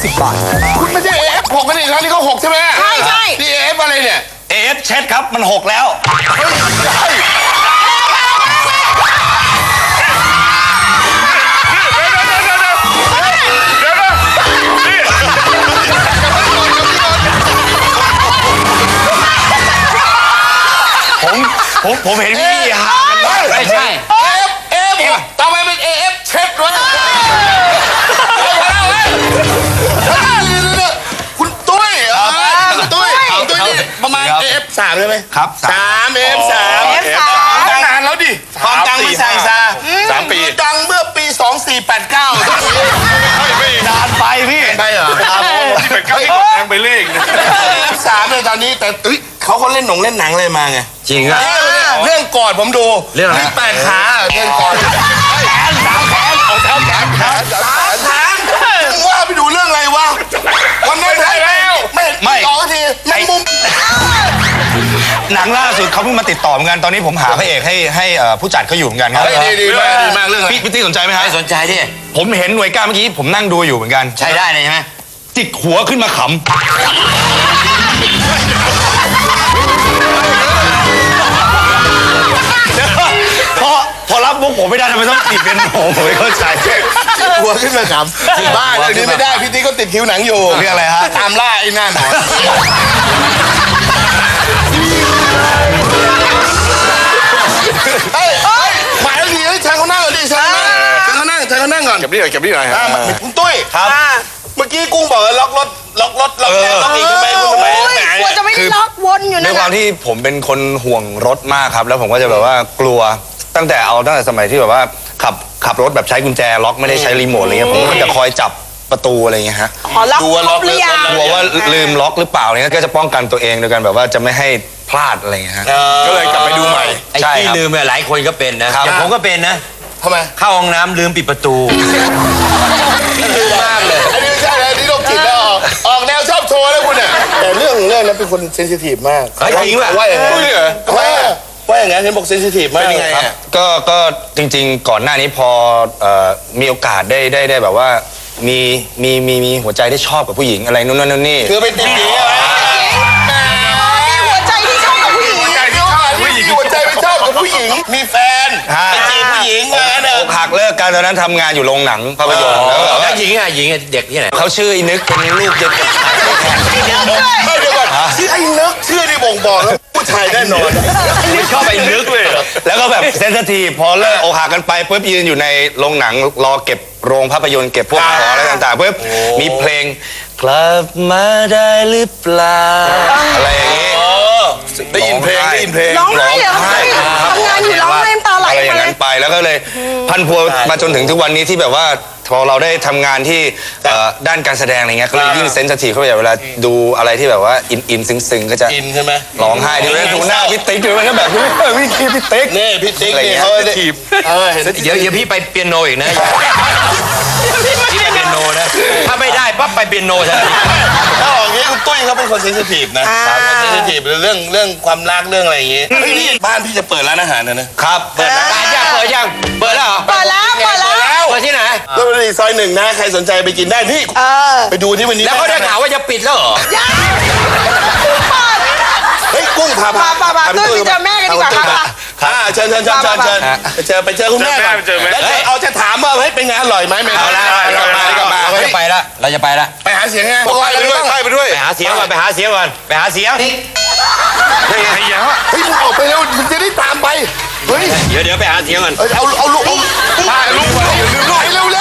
50 บาทคุณไม่ใช่ AF6 กันอีกแล้วนี่เขา6ใช่ไหมใช่นี่ AF อะไรเนี่ย AF เช็ดครับมัน6แล้วผมเห็นพี่ฮะไม่ใช่ AF ต่อไปเป็น AF เช็ดด้วยคุณตุ้ยคุณตุ้ยนี่ประมาณ AF3 ใช่ไหมครับ 3 AF3 นานแล้วดิความดังมันสั่งซา3 ปีดังเมื่อปี 2489 ไม่นานไปพี่ไปเหรอที่เป็นก้าวที่กดแรงไปเลขนะ AF3 เลยตอนนี้แต่เขาเล่นเล่นหนังอะไรมาไงจริงอะเรื่องกอดผมดูเรื่องอะไร 8 ขาเรื่องกอด3 แขนว่าไปดูเรื่องอะไรวะวันนั้นได้แล้วไม่ออกทีแมงมุมหนังล่าสุดเขาเพิ่งมาติดต่อเหมือนกันตอนนี้ผมหาพระเอกให้ผู้จัดเขาอยู่เหมือนกันครับดีมากเรื่องอะไรพี่ติ๊กสนใจไหมฮะไม่สนใจดิผมเห็นหน่วยก้านเมื่อกี้ผมนั่งดูอยู่เหมือนกันใช้ได้เลยใช่ไหมจิกหัวขึ้นมาขำพอรับมุกผมไม่ได้ทำไมต้องติดเป็นผมไม่เข้าใจหัวขึ้นมาขำบ้าเรื่องนี้ไม่ได้พี่ติ๊กก็ติดคิวหนังอยู่เรื่องอะไรฮะตามล่าไอ้หน้าหนอนหมายถึงเชิญเขานั่งก่อนดิเชิญเขานั่งก่อนเก็บนี่หน่อยคุณตุ้ยครับเมื่อกี้กุ้งบอกล็อกรถล็อกอีกทำไมกลัวจะไม่ได้ล็อกวนอยู่นะด้วยความที่ผมเป็นคนห่วงรถมากครับแล้วผมก็จะแบบว่ากลัวตั้งแต่สมัยที่แบบว่าขับรถแบบใช้กุญแจล็อกไม่ได้ใช้รีโมทอะไรเงี้ยผมก็จะคอยจับประตูอะไรเงี้ยฮะดูว่าล็อกหรือยังกลัวว่าลืมล็อกหรือเปล่าอะไรเงี้ยก็จะป้องกันตัวเองโดยการแบบว่าจะไม่ให้พลาดอะไรเงี้ยฮะก็เลยกลับไปดูใหม่ไอ้ที่ลืมหลายคนก็เป็นนะอย่างผมก็เป็นนะทำไมเข้าห้องน้ำลืมปิดประตูลืมมากเลยอันนี้ไม่ใช่อันนี้โรคจิตแล้วออกแนวชอบโชว์แล้วคุณเนี่ยแต่เรื่องนั้นเป็นคนเซนซิทีฟมากจริงป่ะว่าอย่างนั้นว่าอย่างนั้นเห็นบอกเซนซิทีฟมากเป็นยังไงก็จริงๆก่อนหน้านี้พอมีโอกาสได้แบบว่ามีหัวใจได้ชอบกับผู้หญิงอะไรนู่นนั่นนี่คือไปติดหญิงอะไรหัวใจที่ชอบกับผู้หญิงหัวใจไปชอบกับผู้หญิงมีแฟนไปจีบผู้หญิงอกหักเลิกกันตอนนั้นทำงานอยู่โรงหนังภาพยนตร์แล้วหญิงเด็กที่ไหนเขาชื่อไอ้นึกเป็นลูกเด็กไม่เดี๋ยวก่อนชื่อไอ้นึกชื่อที่บ่งบอกแล้วผู้ชายแน่นอนไม่ชอบไอ้นึกเลยแล้วก็แบบเซนซิทีฟพอเลิกอกหักกันไปปุ๊บยืนอยู่ในโรงหนังรอเก็บโรงภาพยนตร์เก็บพวกของอะไรต่างๆปุ๊บมีเพลงกลับมาได้หรือเปล่าอะไรอย่างงี้ได้ยินเพลงร้องไห้เหรอทำงานอยู่ร้องไห้ตาไหลอะไรอย่างนั้นไปแล้วก็เลยพันพัวมาจนถึงทุกวันนี้ที่แบบว่าพอเราได้ทำงานที่ด้านการแสดงอะไรเงี้ยก็เลยยิ่งเซนซิทีฟเข้าไปเวลาดูอะไรที่แบบว่าอินซึ้งก็จะอินใช่ไหมร้องไห้ดูหน้าพี่ติ๊กดูแล้วก็แบบพี่ติ๊กนี่พี่ติ๊กนี่เขาได้ทีบเดี๋ยวพี่ไปเปียโนอีกนะพี่ไปเปียโนนะถ้าไม่ได้ปั๊บไปเปียโนใช่ไหมถ้าอย่างนี้คุณตุ้ยเขาเป็นคนเซนซิทีฟนะเซนซิทีฟเรื่องความรักเรื่องอะไรอย่างงี้บ้านพี่จะเปิดร้านอาหารนะครับเปิดยังเปิดแล้วเปิดแล้วเปิดที่ไหนก็ในซอย1นะใครสนใจไปกินได้นี่ไปดูที่วันนี้แล้วเขาได้ข่าวว่าจะปิดแล้วเหรอเฮ้ยกุ้งพาตุ้ยไปเจอแม่กันดีกว่าค่ะเชิญไปเจอคุณแม่แล้วเอาจะถามว่าเฮ้ยเป็นไงอร่อยไหมไม่เอาละกลับมาเราจะไปละไปหาเสียงไงไปด้วยไปหาเสียงก่อนไปหาเสียงเฮ้ยมึงออกไปแล้วมึงจะได้ตามไปเฮ้ยเดี๋ยวไปหาเสียงก่อนเอาลูกไปลูกเร็ว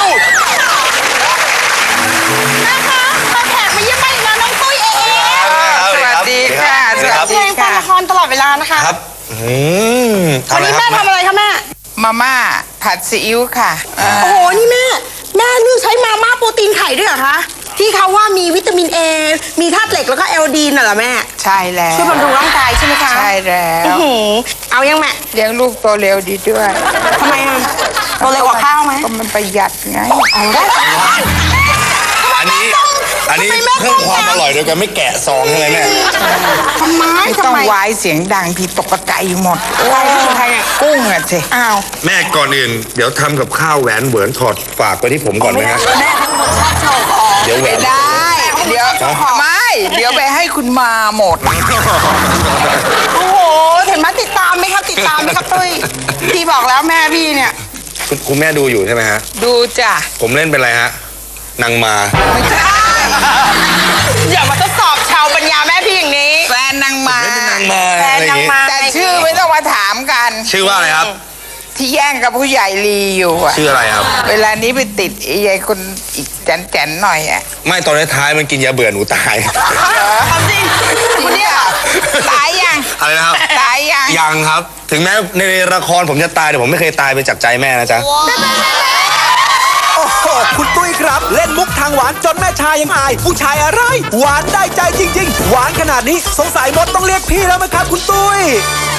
นะคะมาแขกมาเยี่ยมบ้านอีกแล้วน้องตุ้ยเองสวัสดีค่ะเพลงฟังละครตลอดเวลานะคะครับวันนี้แม่ทำอะไรคะแม่มาม่าผัดซีอิ๊วค่ะโอ้โหนี่แม่เลือกใช้มาม่าโปรตีนไข่ด้วยเหรอคะที่เขาว่ามีวิตามินเอมีธาตุเหล็กแล้วก็ไอโอดีนน่ะเหรอแม่ใช่แล้วช่วยบำรุงร่างกายใช่ไหมคะใช่แล้วเอายังแม่เลี้ยงลูกโตเร็วดีด้วยทำไมอ่ะโตเร็วกว่าข้าวไหมก็มันประหยัดไงอันนี้เพิ่มความอร่อยโดยการไม่แกะซองใช่ไหมแม่ทำไมต้องวายเสียงดังผิดปกติหมดใครอ่ะกุ้งอ่ะสิอ้าวแม่ก่อนอื่นเดี๋ยวทำกับข้าวแหวนเหวินถอดฝากไว้ที่ผมก่อนนะฮะแม่ทั้งหมดชอบโชว์เดี๋ยวแหวนได้เดี๋ยวไม่เดี๋ยวไปให้คุณมาหมดโอ้โหเห็นไหมติดตามไหมครับติดตามไหมครับตุ้ยพี่บอกแล้วแม่พี่เนี่ยคุณแม่ดูอยู่ใช่ไหมฮะดูจ้ะผมเล่นเป็นอะไรฮะนางมาไม่ใช่อย่ามาทดสอบชาวปัญญาแม่พี่อย่างนี้แฟนนางมาแฟนนางมาแต่ชื่อไม่ต้องมาถามกันชื่อว่าอะไรครับที่แย่งกับผู้ใหญ่ลีอยู่อะชื่ออะไรครับเวลานี้ไปติดไอ้ยายคนอีกแจนๆหน่อยอะไม่ตอนท้ายๆมันกินยาเบื่อหนูตายทำจริงคุณเนี่ยตายยังอะไรนะครับตายยังยังครับ ถึงแม้ในละครผมจะตายแต่ผมไม่เคยตายไปจากใจแม่นะจ๊ะโอ้โหคุณตุ้ยครับ เล่นมุกทางหวานจนแม่ชายยังอาย ผู้ชายอะไร หวานได้ใจจริง ๆ หวานขนาดนี้สงสัยมดต้องเรียกพี่แล้วมั้งครับคุณตุ้ย